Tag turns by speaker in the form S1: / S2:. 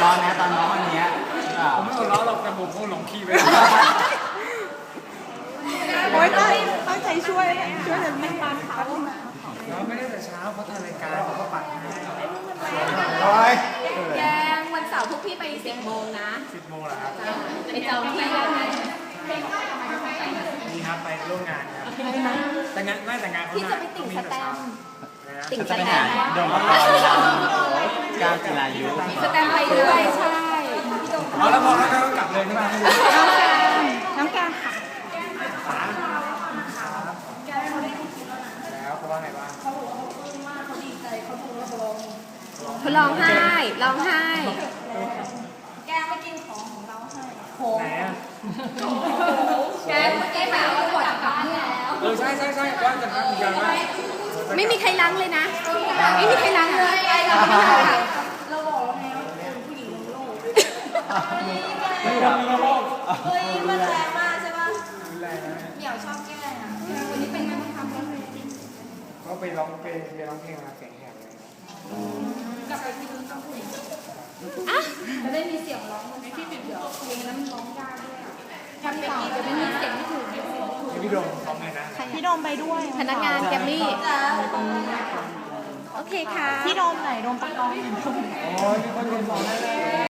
S1: ร้อนนะตอนน้องอันเนี้ย
S2: ผมไม่หัวเราะหรอกแต่ผมคงหลงคีย์ไป
S3: โอ๊ยตั้งใจช่วยแต่ไม่ปันเขา
S2: เราไม่ได้แต่เช้าเพราะทางรายการเขาก็ปัดให้
S1: โอ้ย
S4: แกงวันเสาร์พวกพี่ไป10 โมงนะ
S2: 10 โมงเหรอครับ
S4: ไปจองที่ได้ไหม
S2: ดีครับไปร่วมงานครับแต่งานไม่แต่งานเขา
S4: พี่จะไปติ่งสแตมป์ติ่ง
S1: จะ
S4: ส
S1: ไป
S4: แต
S1: หาม
S4: ป์
S1: โดมกรก้าวจิรายุ
S4: สแตมป์ไปด้วยใช่
S2: เอาแล้วพอแล้วก็กลับเลยใช่ไหม
S3: น้องแกงค่ะ
S2: แล้วเขาว่าไงบ้าง
S4: เขาร้องไห้ร้องไห้
S3: แกงไม่กินของเราให้
S2: ไหนอ่ะ
S4: แกเมื่อกี้ไปเอาบทกลับเมื่อแล้ว
S2: ใช่ว่าจะทำเหมือนกันว่า
S4: ไม่มีใครล้างเลยนะ ไม่มีใครล้างเลย
S3: เราบอกแล้วไงว่าเป็นผู้หญิงโลก
S2: ไม่ทำแล้ว
S3: เฮ้ยมันแรงมากใช่ปะ
S2: ไม่ไรนะ
S3: เหมียวชอบแกล้งอ่ะ
S4: วันนี้เป็นไงบ้างคะ
S2: เขาไปร้องเพลงมาเสียงแหบเลย
S4: อ่ะ
S3: จะได้มีเสียงร้องมันที่ติดเดี๋ยวเพลงนั้นร้องยากด้วยทำต่อจะไม่มีเสียงที่ถูก
S2: พี่โดมพร้อมเลยนะ
S3: พี่โดมไปด้วย
S4: พนักงานแกมมี่ โอเคค่ะ
S3: พี่โดมไหนโดมปะกอง
S2: โอ้ยมีคนเรียนบอกได้เลย